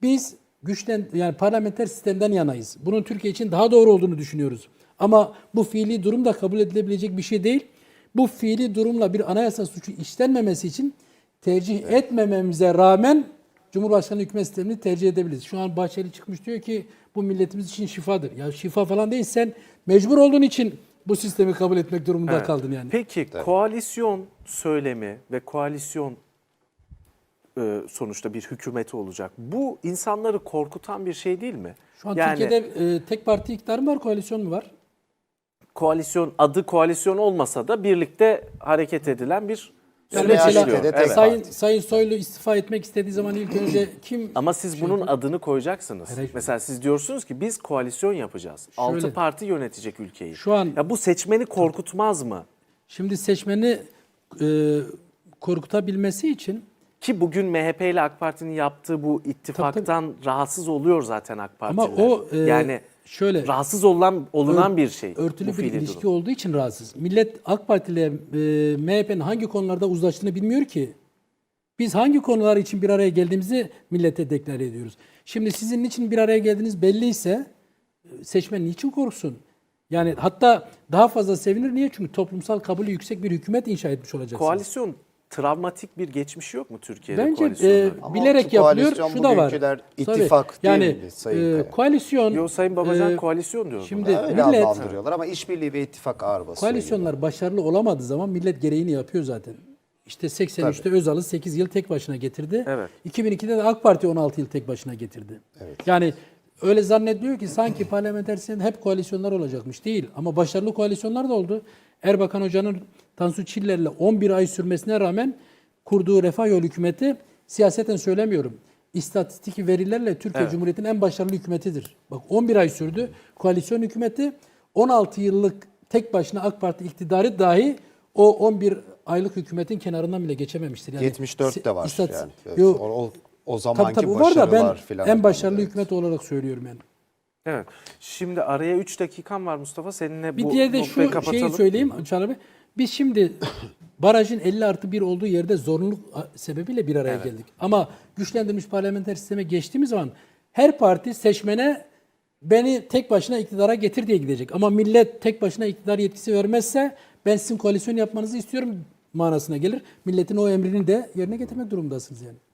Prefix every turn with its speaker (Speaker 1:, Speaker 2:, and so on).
Speaker 1: Biz yani parlamenter sistemden yanayız. Bunun Türkiye için daha doğru olduğunu düşünüyoruz. Ama bu fiili durum da kabul edilebilecek bir şey değil. Bu fiili durumla bir anayasa suçu işlenmemesi için tercih etmememize rağmen Cumhurbaşkanı hükümet sistemini tercih edebiliriz. Şu an Bahçeli çıkmış diyor ki bu milletimiz için şifadır. Ya şifa falan değil, sen mecbur olduğun için bu sistemi kabul etmek durumunda kaldın yani.
Speaker 2: Peki koalisyon söylemi ve koalisyon sonuçta bir hükümeti olacak. Bu insanları korkutan bir şey değil mi?
Speaker 1: Şu an Türkiye'de tek parti iktidar mı var, koalisyon mu var?
Speaker 2: Koalisyon, adı koalisyon olmasa da birlikte hareket edilen bir
Speaker 1: Yani
Speaker 2: süreç
Speaker 1: mesela
Speaker 2: işliyor. Evet.
Speaker 1: Sayın Soylu istifa etmek istediği zaman ilk önce kim...
Speaker 2: Ama siz bunun adını koyacaksınız.
Speaker 1: Hayır.
Speaker 2: Mesela siz diyorsunuz ki biz koalisyon yapacağız. 6 parti yönetecek ülkeyi.
Speaker 1: Şu an
Speaker 2: ya bu seçmeni korkutmaz mı?
Speaker 1: şimdi seçmeni korkutabilmesi için
Speaker 2: Ki bugün MHP ile AK Parti'nin yaptığı bu ittifaktan rahatsız oluyor zaten AK Partiler.
Speaker 1: ama o
Speaker 2: yani
Speaker 1: şöyle
Speaker 2: rahatsız olunan bir şey.
Speaker 1: örtülü
Speaker 2: bu
Speaker 1: bir
Speaker 2: fiili
Speaker 1: ilişki
Speaker 2: durum.
Speaker 1: olduğu için rahatsız. Millet AK Parti ile MHP'nin hangi konularda uzlaştığını bilmiyor ki. Biz hangi konular için bir araya geldiğimizi millete deklare ediyoruz. Şimdi sizin niçin bir araya geldiğiniz belliyse seçmen niçin korksun? Yani hatta daha fazla sevinir. Niye? Çünkü toplumsal kabulü yüksek bir hükümet inşa etmiş olacaksınız.
Speaker 2: Koalisyon travmatik bir geçmişi yok mu Türkiye'de
Speaker 1: Bence
Speaker 2: koalisyonların?
Speaker 3: Ama
Speaker 1: bilerek
Speaker 3: şu
Speaker 1: yapılıyor.
Speaker 3: koalisyon
Speaker 1: Şu da var.
Speaker 3: bugünküler
Speaker 1: Tabii,
Speaker 3: ittifak değil
Speaker 1: yani
Speaker 3: mi Sayın Kaya?
Speaker 1: koalisyon
Speaker 2: Yo, Sayın Babacan koalisyon diyor.
Speaker 1: şimdi
Speaker 3: Öyle
Speaker 1: millet
Speaker 3: adlandırıyorlar ama işbirliği ve ittifak ağır basıyor.
Speaker 1: koalisyonlar başarılı olamadığı zaman millet gereğini yapıyor zaten. İşte 83'te Özal'ı 8 yıl tek başına getirdi.
Speaker 2: Evet.
Speaker 1: 2002'de de AK Parti 16 yıl tek başına getirdi.
Speaker 3: Evet.
Speaker 1: Yani öyle zannediliyor ki sanki parlamenter sistemde hep koalisyonlar olacakmış. Değil. Ama başarılı koalisyonlar da oldu. Erbakan Hoca'nın Tansu Çiller'le 11 ay sürmesine rağmen kurduğu Refah Yolu hükümeti, siyaseten söylemiyorum, İstatistik verilerle Türkiye Cumhuriyeti'nin en başarılı hükümetidir. Bak 11 ay sürdü. Koalisyon hükümeti 16 yıllık tek başına AK Parti iktidarı dahi o 11 aylık hükümetin kenarından bile geçememiştir. Yani
Speaker 3: 74 de var yani.
Speaker 1: Yok.
Speaker 3: O zamanki
Speaker 1: Tabii var da ben
Speaker 3: filan.
Speaker 1: en başarılı hükümet olarak söylüyorum yani.
Speaker 2: Evet. Şimdi araya 3 dakikam var Mustafa. Seninle
Speaker 1: Bir
Speaker 2: bu
Speaker 1: diğer de
Speaker 2: noktayı
Speaker 1: şu
Speaker 2: kapatalım.
Speaker 1: şeyi söyleyeyim Çağlar Bey. Biz şimdi barajın 50+1 olduğu yerde zorunluluk sebebiyle bir araya geldik. Ama güçlendirilmiş parlamenter sisteme geçtiğimiz zaman her parti seçmene beni tek başına iktidara getir diye gidecek. Ama millet tek başına iktidar yetkisi vermezse ben sizin koalisyon yapmanızı istiyorum manasına gelir. Milletin o emrini de yerine getirmek durumundasınız yani.